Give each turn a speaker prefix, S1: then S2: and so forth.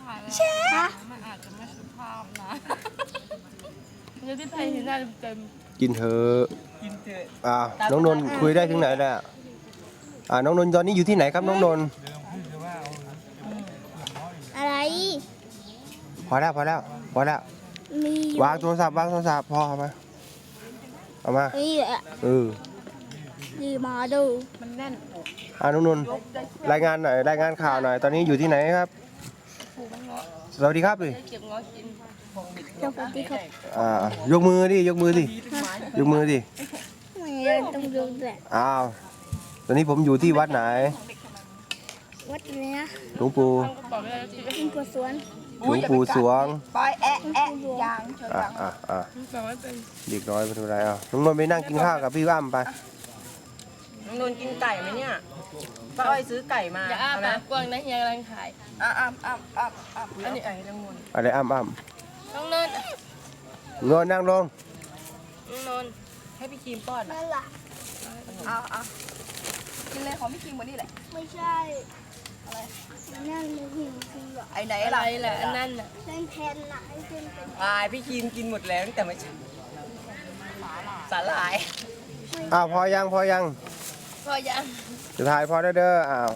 S1: เช่ฮะ
S2: มันอาจจะไม่สุภาพนะเดี๋ยวพี่ไพเห็นหน้าเต็ม
S3: กินเถอะน้องนนท์คุยได้ถึงไหนแล้วน้องนนท์ตอนนี้อยู่ที่ไหนครับน้องนนท์
S1: อะไร
S3: พอแล้ว
S1: มีอยู่
S3: วางโทรศัพท์พอเอามา
S1: นี่แหละ ดีมาดู
S2: มันแน่นอก
S3: น้องนนท์รายงานหน่อยรายงานข่าวหน่อยตอนนี้อยู่ที่ไหนครับ
S2: ผูมันเงาะ
S3: สวัสดีครับดิ
S2: ได้เก็บเงาะกิน
S1: เจ้าปฏิครับ
S3: ยกมือดิ
S1: ไม่ได้ต้องดูแหละ
S3: ตอนนี้ผมอยู่ที่วัดไหน
S1: วัดเนี้ย
S3: หลวงปู่
S2: ตั้งกระเป๋าไม่ได้แล้ว
S1: กินกัวสวน
S3: หลวงปู่สวง
S2: ปอยแอะยางเฉย
S3: อ่ะ
S2: ไม่เป็น
S3: เด็กน้อยไม่เป็นไรน้องนนท์ไปนั่งกินข้าวกับพี่อ้ำไป
S4: น้องนนท์กินไก่ไหมเนี่ยป้าอ้อยซื้อไก่มา
S2: อย่าอ้าปากกว้างนะเฮียกำลังถ่าย
S4: อันนี้ไก่น้องนนท์
S3: อะไรอ้ำ
S2: น้องนนท์
S3: นอนนั่งลง
S2: น้องนนท์
S4: ให้พี่ครีมป้อน
S1: นั่นแหละ
S2: กินเลยของพี่คิงวันนี้แหละ
S1: ไม่ใช่อะไรนั่นมือหิวคือ
S4: ไอ้ไหน
S2: อะไร
S4: ล่ะ
S2: แหละอันนั้นน่ะ
S1: เล่นแทนน่ะให้เป็นเป็น
S4: พี่ครีมกินหมดแล้วตั้งแต่เมื่อเช้าสาหร่าย
S3: พอยัง
S2: พอยัง
S3: จะถ่ายพอได้เด้อ